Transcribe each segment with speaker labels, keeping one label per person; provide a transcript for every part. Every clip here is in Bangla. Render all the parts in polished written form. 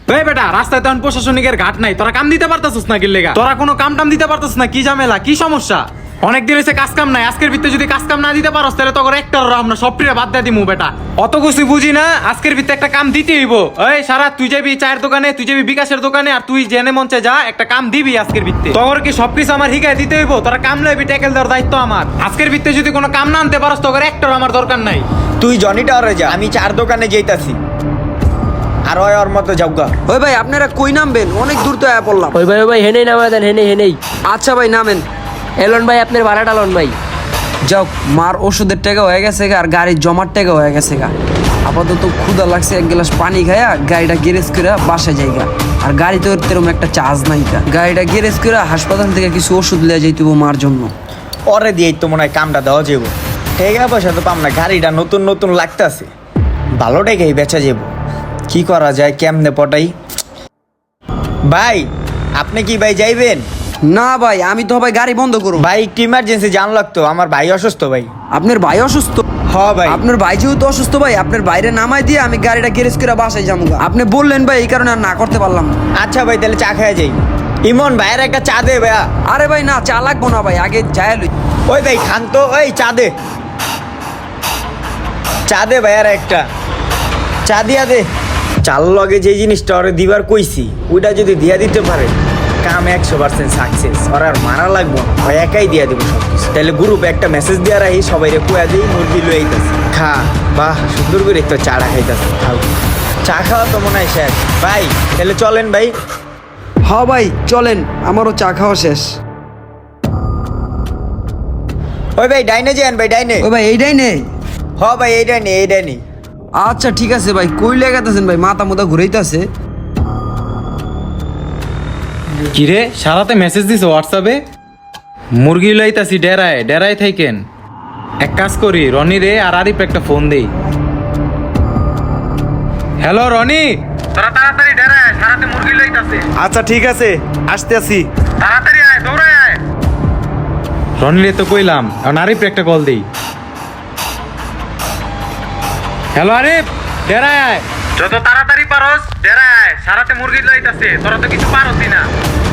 Speaker 1: এই বেটা, রাস্তায় তখন প্রশাসনিকের ঘাট নাই, তোরা কাম দিতে পারতাছিস না কি লেগা? তোরা কোনো কাম টাম দিতে পারতাছিস না? কি ঝামেলা, কি সমস্যা? অনেকদিন হয়েছে কাজ কাম নাই, আজকের ভিতরে যদি কাজ কাম না দিতে পারস তাহলে তোর একটা আমরা সবটিরে বাদ দিয়ে দিমু বেটা। অত কিছু বুঝি না, আজকের ভিতরে একটা কাম দিতে হইব। এই সারা তুই যাবি চায়ের দোকানে, তুই যাবি বিকাশের দোকানে, আর তুই জেনে মঞ্চে যা, একটা কাম দিবি আজকের ভিতরে। তোর কি সবকিছু আমার হিগায় দিতে হইব? তোরা কাম লইবি, ট্যাকেল দেওয়ার দায়িত্ব আমার। আজকের ভিতরে যদি কোনো কাম না আনতে পারস তোর একটা আমার দরকার নাই।
Speaker 2: তুই জনি টাওয়ারে যা, আমি চার দোকানে যাইতাছি। আর ওর মতো যাওগা।
Speaker 3: ওই ভাই আপনারা কই নামবেন? অনেক দূর তো আয়া পড়লাম।
Speaker 4: ওই ভাই হেনেই নামা দেন, হেনেই।
Speaker 3: আচ্ছা ভাই নামেন।
Speaker 4: এলন ভাই আপনার ভাড়াটা লন ভাই।
Speaker 3: যাও, মার ওষুধের টাকা হয়ে গেছে গা, আর গাড়ির জমার টাকা হয়ে গেছে গা। আপাতত ক্ষুধা লাগছে, এক গ্লাস পানি খায়া গাড়িটা গ্যারেজ করে বাসায় যাইগা। আর গাড়িতে এরকম একটা চার্জ নাই গা। গাড়িটা গ্যারেজ করে হাসপাতাল থেকে কিছু ওষুধ লিয়ে যাইতে মার জন্য।
Speaker 2: ওরে দিয়েই তো মনে হয় কামটা দেওয়া যাব। টাকা পয়সা তো পাম না, গাড়িটা নতুন নতুন লাগতেছে, ভালো টাকাই বেচা যাব। কি করা যায়, কেমনে পটাই? ভাই আপনি কি ভাই যাইবেন?
Speaker 3: না ভাই, আমি তো ভাই গাড়ি বন্ধ করব।
Speaker 2: ভাই একটু ইমার্জেন্সি জান লাগতো, আমার ভাই অসুস্থ ভাই।
Speaker 3: আপনার ভাই অসুস্থ?
Speaker 2: হ ভাই।
Speaker 3: আপনার ভাই যেহেতু অসুস্থ ভাই, আপনার বাইরে নামাই দিয়ে আমি গাড়িটা গ্যারেজ করে বাসায় যাবো। আপনি বললেন ভাই, এই কারণে আর না করতে পারলাম না।
Speaker 2: আচ্ছা ভাই, তাহলে চা খাওয়া যাই। ইমন ভাইয়ের একটা চা দে ভাইয়া।
Speaker 3: আরে ভাই না, চা লাগবো না ভাই, আগে যায় লই।
Speaker 2: ওই ভাই খান তো, ওই চা দে, চা দে ভাইয়ার একটা চা দিয়া দে। চাল লগে যে জিনিসটা ওরে দিবার কইছি, ওইটা যদি দিয়া দিতে পারে কাম 100% সাকসেস। ওর আর মারা লাগবো না, ওই একাই দিয়া দেবো সব কিছু। তাহলে গ্রুপে একটা মেসেজ দিয়া রাখি, সবাই রে কুয়া দিই মুরগি লই আইতাছে। খা, বাহ সুন্দর করে একটু চাটা খাইতাছে। খাও, চা খাওয়া তো মনে হয় শেষ। ভাই তাহলে চলেন ভাই।
Speaker 3: হ্যাঁ ভাই চলেন, আমারও চা খাওয়া শেষ।
Speaker 2: ওই ভাই ডাইনে যান ভাই, ডাইনে।
Speaker 3: ওই ভাই এইটাই নেই।
Speaker 2: হ ভাই এই ডাইনে, এই ডাইনে।
Speaker 3: আচ্ছা ঠিক আছে ভাই, কই লেগাতেছেন ভাই? মাথা মুথা ঘুরাইতেছে।
Speaker 1: কিরে সারাতে মেসেজ দিছ হোয়াটসঅ্যাপে? মুরগি লাইতাছি ডেরায় থাকেন। এক কাজ করি, রনি রে আর আরিফ একটা ফোন দেই। হ্যালো রনি, তোরা তাড়াতাড়ি ডেরায়, সারাতে মুরগি লাইতাছে।
Speaker 5: আচ্ছা ঠিক আছে, আসতে আসি।
Speaker 1: তাড়াতাড়ি আয়, দৌড়ায় আয়। রনি রে তো কইলাম, এখন আরিফ একটা কল দেই। হ্যালো আরিফ, ডেরায় আয়, যত তাড়াতাড়ি পারস ডেরায় আয়, সারাতে মুরগি লাইতাছে। তোরা তো কিছু পারসই না।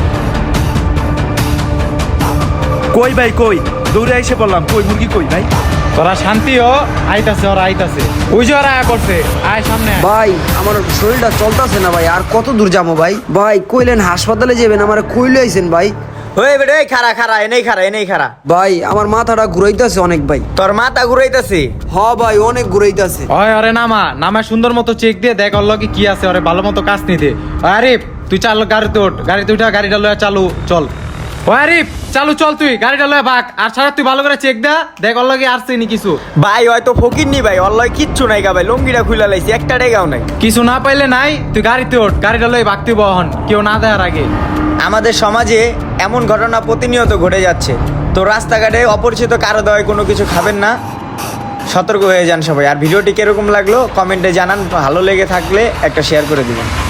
Speaker 5: কই ভাই কই? দৌড়ে এসে বললাম, কই মুরগি কই ভাই?
Speaker 1: তোরা শান্তি হ, আইতাছে ওরা আইতাছে। ওই যে ওরা আয়া করছে, আয় সামনে আয়।
Speaker 3: ভাই আমার শরীরটা চলতেছে না ভাই, আর কত দূর যাবো ভাই? ভাই কইলেন হাসপাতালে যাবেন, আমার কইলে আইছেন ভাই।
Speaker 2: ওই বেটা, এই খারা খারা, এনেই খারা, এনেই খারা।
Speaker 3: ভাই আমার মাথাটা ঘুরাইতেছে অনেক ভাই।
Speaker 2: তোর মাথা ঘুরাইতাছে?
Speaker 3: হ ভাই অনেক ঘুরাইতেছে।
Speaker 1: ওই ওরে নামা সুন্দর মতো চেক দিয়ে দেখ ওর লগে কি আছে, ওরে ভালো মতো কাজ নিতে। আরিফ তুই চাল, গাড়িতে ওঠ, গাড়িতে উঠা গাড়িটা লয়ে চালু চল। ও আরিফ চালু চল, তুই গাড়িটা লয়ে ভাগ। আর সারা তুই ভালো করে চেক দে, দেখ ওর লগে আসছে নি কিছু।
Speaker 2: ভাই হয়তো ফকির নি ভাই, অল্লাহ কিচ্ছু নাই গা ভাই, লঙ্গিটা খুলে লাইছি, একটা টাকাও নাই।
Speaker 1: কিছু না পাইলে নাই, তুই গাড়িতে ওঠ, গাড়িটা লয়ে ভাগতে বহন, কেউ না দেওয়ার আগে।
Speaker 2: আমাদের সমাজে এমন ঘটনা প্রতিনিয়ত ঘটে যাচ্ছে। তো রাস্তাঘাটে অপরিচিত কারো দেওয়ায় কোনো কিছু খাবেন না, সতর্ক হয়ে যান সবাই। আর ভিডিওটি কিরকম লাগলো কমেন্টে জানান, ভালো লেগে থাকলে একটা শেয়ার করে দিবেন।